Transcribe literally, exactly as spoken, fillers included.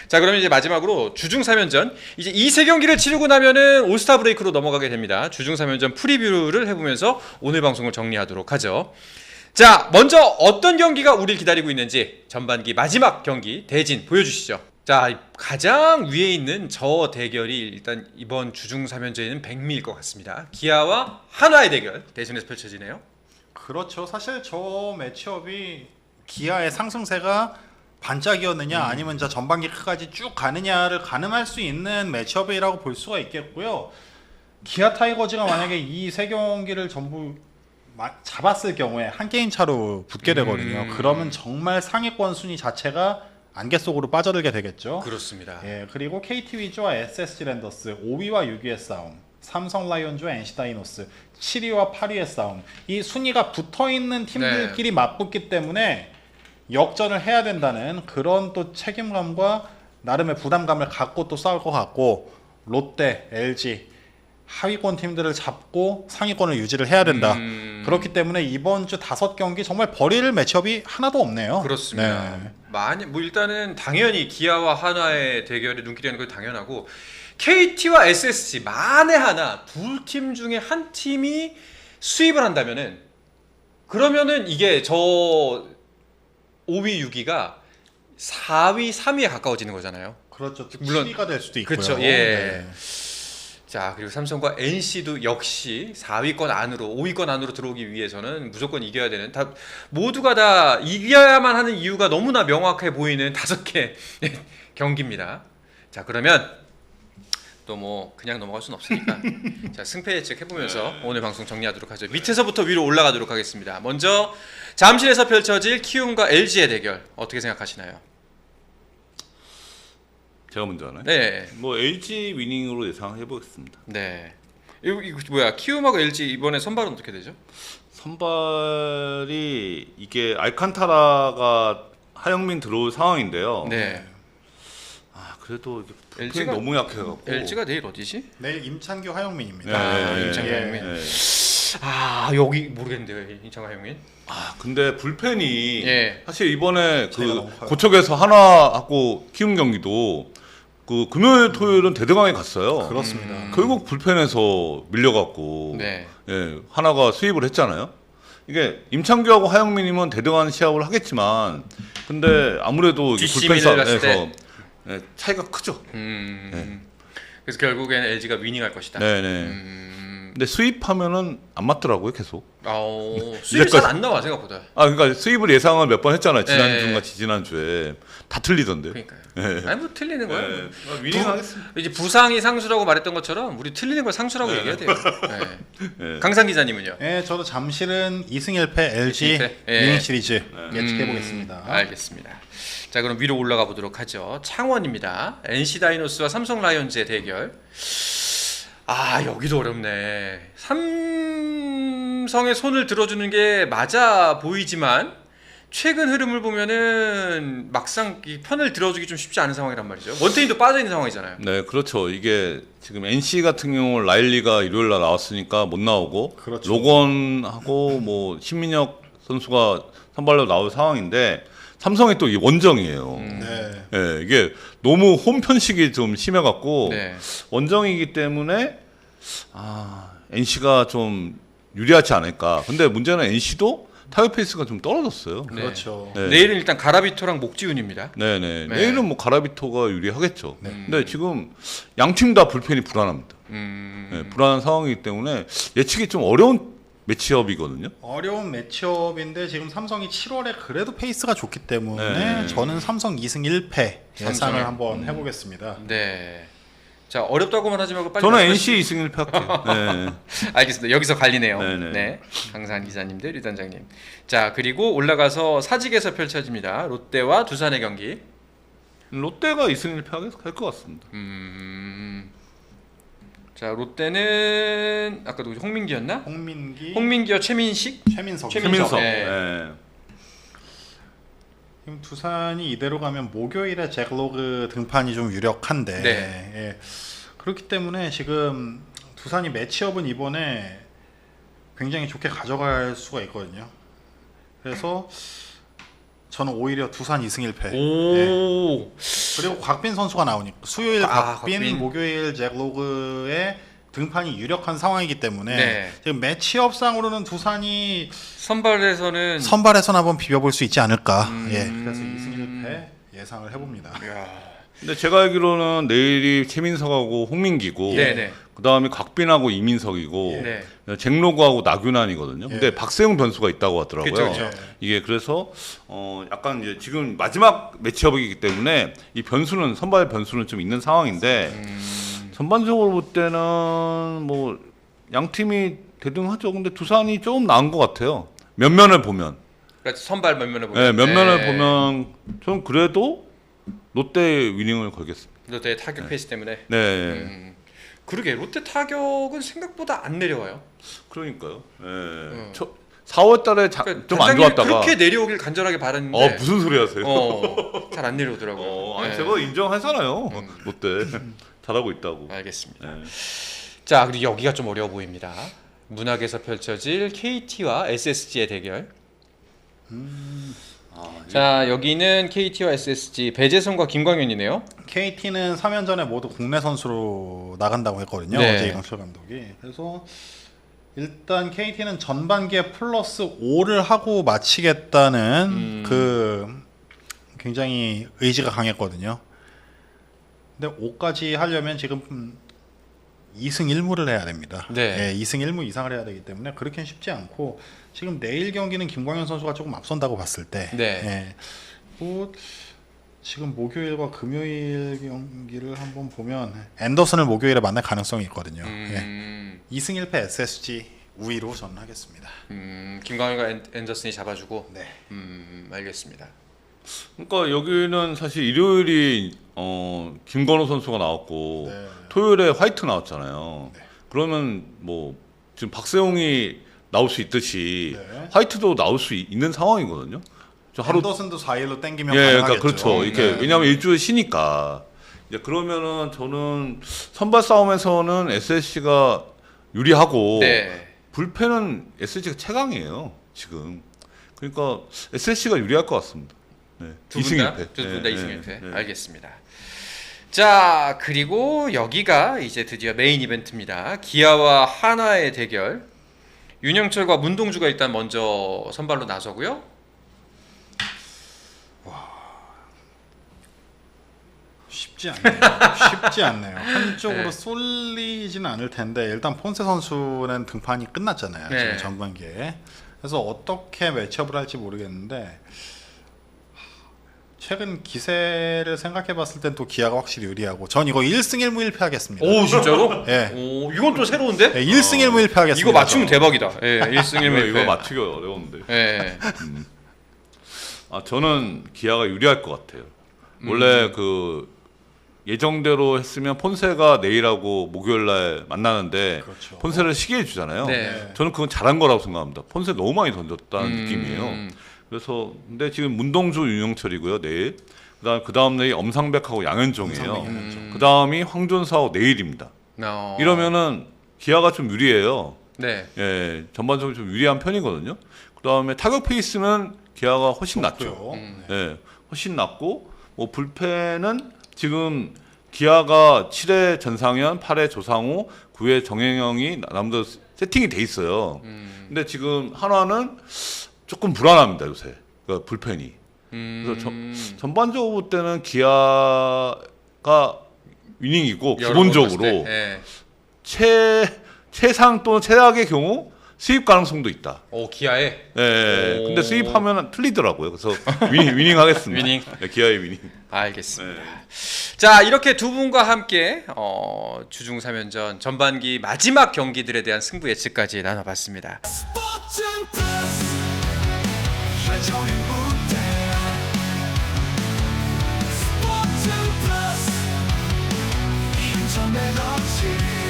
자, 그러면 이제 마지막으로 주중 삼 연전. 이제 이 세 경기를 치르고 나면은 올스타 브레이크로 넘어가게 됩니다. 주중 삼 연전 프리뷰를 해보면서 오늘 방송을 정리하도록 하죠. 자, 먼저 어떤 경기가 우리를 기다리고 있는지 전반기 마지막 경기 대진 보여주시죠. 자, 가장 위에 있는 저 대결이 일단 이번 주중 삼 연전에는 백미일 것 같습니다. 기아와 한화의 대결 대진에서 펼쳐지네요. 그렇죠. 사실 저 매치업이 기아의 상승세가 반짝이었느냐 음. 아니면 저 전반기 끝까지 쭉 가느냐를 가늠할 수 있는 매치업이라고 볼 수가 있겠고요. 기아 타이거즈가 만약에 이 세 경기를 전부 잡았을 경우에 한 게임 차로 붙게 되거든요. 음. 그러면 정말 상위권 순위 자체가 안개 속으로 빠져들게 되겠죠. 그렇습니다. 예, 그리고 케이티 위즈와 에스에스지 랜더스 오 위와 육 위의 싸움, 삼성 라이온즈와 엔씨 다이노스 칠 위와 팔 위의 싸움. 이 순위가 붙어있는 팀들끼리 네. 맞붙기 때문에 역전을 해야 된다는 그런 또 책임감과 나름의 부담감을 갖고 또 싸울 것 같고, 롯데, 엘지 하위권 팀들을 잡고 상위권을 유지를 해야 된다. 음... 그렇기 때문에 이번 주 다섯 경기 정말 버릴 매치업이 하나도 없네요. 그렇습니다. 네. 많이 뭐 일단은 당연히 기아와 한화의 대결에 눈길이 가는 건 당연하고, 케이티와 에스에스지 만에 하나 두 팀 중에 한 팀이 수입을 한다면은 그러면은 이게 저 오 위, 육 위가 사 위, 삼 위에 가까워지는 거잖아요. 그렇죠. 물론 칠 위가 될 수도 있고요. 그렇죠. 예. 네. 자, 그리고 삼성과 엔씨도 역시 사 위권 안으로, 오 위권 안으로 들어오기 위해서는 무조건 이겨야 되는, 다 모두가 다 이겨야만 하는 이유가 너무나 명확해 보이는 다섯 개 경기입니다. 자, 그러면 또 뭐 그냥 넘어갈 수는 없으니까 자, 승패 예측 해보면서 오늘 방송 정리하도록 하죠. 밑에서부터 위로 올라가도록 하겠습니다. 먼저 잠실에서 펼쳐질 키움과 엘지의 대결 어떻게 생각하시나요? 제가 먼저 하나요? 네. 뭐 엘지 위닝으로 예상해 보겠습니다. 네. 이거, 이거 뭐야? 키움하고 엘지 이번에 선발은 어떻게 되죠? 선발이 이게 알칸타라가 하영민 들어올 상황인데요. 네. 아, 그래도 엘지가 너무 약해갖고. 엘지가 내일 어디지? 내일 임찬규 하영민입니다. 네, 아, 네, 임찬규 예. 하영민. 네. 아, 여기 모르겠는데요, 임찬규 하영민. 아, 근데 불펜이 예. 사실 이번에 그 고척에서 하나하고 키움 경기도 그 금요일 토요일은 대등하게 갔어요. 그렇습니다. 음. 결국 불펜에서 밀려갖고 네. 예, 하나가 수입을 했잖아요. 이게 임창규하고 하영민이면 대등한 시합을 하겠지만, 근데 아무래도 불펜 싸움에서 예, 차이가 크죠. 음. 네. 그래서 결국에는 엘지가 위닝할 것이다. 네네. 음. 근데 수입하면은 안 맞더라고요, 계속. 어, 수입이 잘 안 나와 생각보다. 아, 그러니까 수입을 예상을 몇 번 했잖아요. 지난주인가 지지난주에 다 틀리던데. 그러니까요. 네. 아니 뭐 틀리는 거예요. 네. 아, 위닝하겠습니다. 이제 부상이 상수라고 말했던 것처럼 우리 틀리는 걸 상수라고 네. 얘기해야 돼요. 네. 네. 강상 기자님은요? 예, 저도 잠실은 이 승 일 패 엘지 이 승 일 패? 예. 위닝 시리즈 네. 예측해 음, 보겠습니다. 알겠습니다. 자, 그럼 위로 올라가 보도록 하죠. 창원입니다. 엔씨 다이노스와 삼성 라이온즈의 대결. 아, 여기도 어렵네. 삼성의 손을 들어주는 게 맞아 보이지만 최근 흐름을 보면은 막상 이 편을 들어주기 좀 쉽지 않은 상황이란 말이죠. 원태인도 빠져 있는 상황이잖아요. 네, 그렇죠. 이게 지금 엔씨 같은 경우 라일리가 일요일 날 나왔으니까 못 나오고, 그렇죠. 로건하고 뭐 신민혁 선수가 선발로 나올 상황인데, 삼성이 또 원정이에요. 음. 네. 네, 이게 너무 홈 편식이 좀 심해갖고 네. 원정이기 때문에 아, 엔씨가 좀 유리하지 않을까. 근데 문제는 엔씨도 타격 페이스가 좀 떨어졌어요. 네. 그렇죠. 네. 내일은 일단 가라비토랑 목지훈입니다. 네네. 네. 내일은 뭐 가라비토가 유리하겠죠. 네. 근데 지금 양 팀 다 불펜이 불안합니다. 음... 네, 불안한 상황이기 때문에 예측이 좀 어려운 매치업이거든요. 어려운 매치업인데 지금 삼성이 칠월에 그래도 페이스가 좋기 때문에 네. 저는 삼성 이 승 일 패 예상을 삼성에? 한번 해보겠습니다. 네. 자, 어렵다고만 하지 말고 빨리 저는 말씀해 엔씨 이 승 일 패 할게요. 네. 알겠습니다. 여기서 갈리네요. 네네. 네, 강산 기자님 대 류단장님. 자, 그리고 올라가서 사직에서 펼쳐집니다. 롯데와 두산의 경기. 롯데가 이 승 일 패 할 것 같습니다. 음... 자, 롯데는 아까 누구지? 홍민기였나? 홍민기, 홍민기와 최민식? 최민석. 최민석. 최민석. 네. 네. 지금 두산이 이대로 가면 목요일에 잭로그 등판이 좀 유력한데, 네. 예. 그렇기 때문에 지금 두산이 매치업은 이번에 굉장히 좋게 가져갈 수가 있거든요. 그래서 저는 오히려 두산 이 승 일 패. 오. 그리고 곽빈 선수가 나오니까 수요일 아, 곽빈, 곽빈. 목요일 잭로그의 등판이 유력한 상황이기 때문에 네. 지금 매치업상으로는 두산이 선발에서는 선발에서는 한번 비벼볼 수 있지 않을까. 음. 예, 그래서 이 승 일 패 예상을 해봅니다. 야. 근데 제가 알기로는 내일이 최민석하고 홍민기고 네네. 그다음에 곽빈하고 이민석이고 네. 잭로그하고 나균환이거든요. 근데 예. 박세웅 변수가 있다고 하더라고요. 그쵸, 그쵸. 이게 그래서 어 약간 이제 지금 마지막 매치업이기 때문에 이 변수는 선발 변수는 좀 있는 상황인데 음. 전반적으로 볼 때는 뭐 양 팀이 대등하죠. 근데 두산이 조금 나은 것 같아요. 면면을 보면. 그러니까 선발 면면을 보면. 네, 면면을 네. 보면 좀 그래도 롯데 위닝을 걸겠습니다. 롯데 타격 네. 페이스 때문에. 네. 음. 그러게 롯데 타격은 생각보다 안 내려와요. 그러니까요. 네. 음. 사월 달에 그러니까 좀 안 단장님이 좋았다가 그렇게 내려오길 간절하게 바랐는데. 어 무슨 소리 하세요? 어, 잘 안 내려오더라고요. 어, 아니 네. 제가 인정하잖아요. 음. 롯데 잘하고 있다고. 알겠습니다. 네. 자, 그리고 여기가 좀 어려워 보입니다. 문학에서 펼쳐질 케이티와 에스에스지의 대결. 아, 자, 여기는 케이티와 에스에스지 배재성과 김광현이네요. 케이티는 삼 연전에 모두 국내 선수로 나간다고 했거든요. 네. 어제 이강철 감독이. 그래서 일단 케이티는 전반기에 플러스 오를 하고 마치겠다는 음. 그 굉장히 의지가 강했거든요. 근데 오까지 하려면 지금 이 승 일 무를 해야 됩니다. 네. 예, 이 승 일 무 이상을 해야 되기 때문에 그렇게는 쉽지 않고 지금 내일 경기는 김광현 선수가 조금 앞선다고 봤을 때 네. 예, 뭐 지금 목요일과 금요일 경기를 한번 보면 앤더슨을 목요일에 만날 가능성이 있거든요. 예. 음, 이 승 일 패 에스에스지 우위로 저는 하겠습니다. 음, 김광현과 앤- 앤더슨이 잡아주고. 네. 음, 알겠습니다. 그러니까 여기는 사실 일요일이 어, 김건호 선수가 나왔고 네. 토요일에 화이트 나왔잖아요. 네. 그러면 뭐 지금 박세웅이 나올 수 있듯이 네. 화이트도 나올 수 있- 있는 상황이거든요. 저 하루 앤더슨도 사 일로 땡기면 예, 가능하겠죠. 그러니까 그렇죠. 이렇게 네. 왜냐하면 일주일 쉬니까 이제 그러면은 저는 선발 싸움에서는 에스에스지가 유리하고 네. 불펜은 에스에스지가 최강이에요 지금. 그러니까 에스에스지가 유리할 것 같습니다. 네. 두 이 승 분 일 다? 패. 두 분 다 이 승 일 패. 네. 알겠습니다. 자, 그리고 여기가 이제 드디어 메인 이벤트입니다. 기아와 하나의 대결. 윤영철과 문동주가 일단 먼저 선발로 나서고요. 쉽지 않네요. 쉽지 않네요. 한쪽으로 네. 쏠리지는 않을 텐데 일단 폰세 선수는 등판이 끝났잖아요. 네. 지금 전반기에. 그래서 어떻게 매치업을 할지 모르겠는데 최근 기세를 생각해봤을 땐 또 기아가 확실히 유리하고 전 이거 일 승 일 무 일 패 하겠습니다. 오, 진짜로? 예. 오, 이건 또 새로운데? 네, 일 승 일 무 일 패 하겠습니다. 이거 맞추면 대박이다. 예, 일 승 일 무 이거, 일 이거 패. 맞추기 어려운데. 예. 아 저는 기아가 유리할 것 같아요. 원래 음. 그 예정대로 했으면 폰세가 내일하고 목요일날 만나는데 그렇죠. 폰세를 쉬게 해주잖아요. 네. 저는 그건 잘한 거라고 생각합니다. 폰세 너무 많이 던졌다는 음. 느낌이에요. 그래서 근데 지금 문동주 윤영철이고요 내일. 그다음 그 다음 내일 엄상백하고 양현종이에요. 엄상백, 양현종. 음. 그 다음이 황준사하고 내일입니다. 어. 이러면은 기아가 좀 유리해요. 네. 예, 전반적으로 좀 유리한 편이거든요. 그 다음에 타격 페이스는 기아가 훨씬 낫죠. 좋고요. 음. 예, 훨씬 낫고 뭐 불펜은 지금 기아가 칠 회 전상현, 팔 회 조상우, 구 회 정혜영이 남들 세팅이 돼 있어요. 음. 근데 지금 한화는 조금 불안합니다 요새 그 불펜이. 음. 그래서 저- 전반적으로 볼 때는 기아가 위닝이고 여러 번 봤을 기본적으로 때, 예. 최 최상 또는 최악의 경우 수입 가능성도 있다. 오, 기아에. 예, 예. 오. 근데 수입하면 틀리더라고요. 그래서 위닝, 위닝 하겠습니다. 위닝. 네, 기아의 위닝. 알겠습니다. 네. 자, 이렇게 두 분과 함께 어, 주중 삼 연전 전반기 마지막 경기들에 대한 승부 예측까지 나눠봤습니다. 스포츠 플러스 한정의 무대 스포츠 플러스 인터넷 없이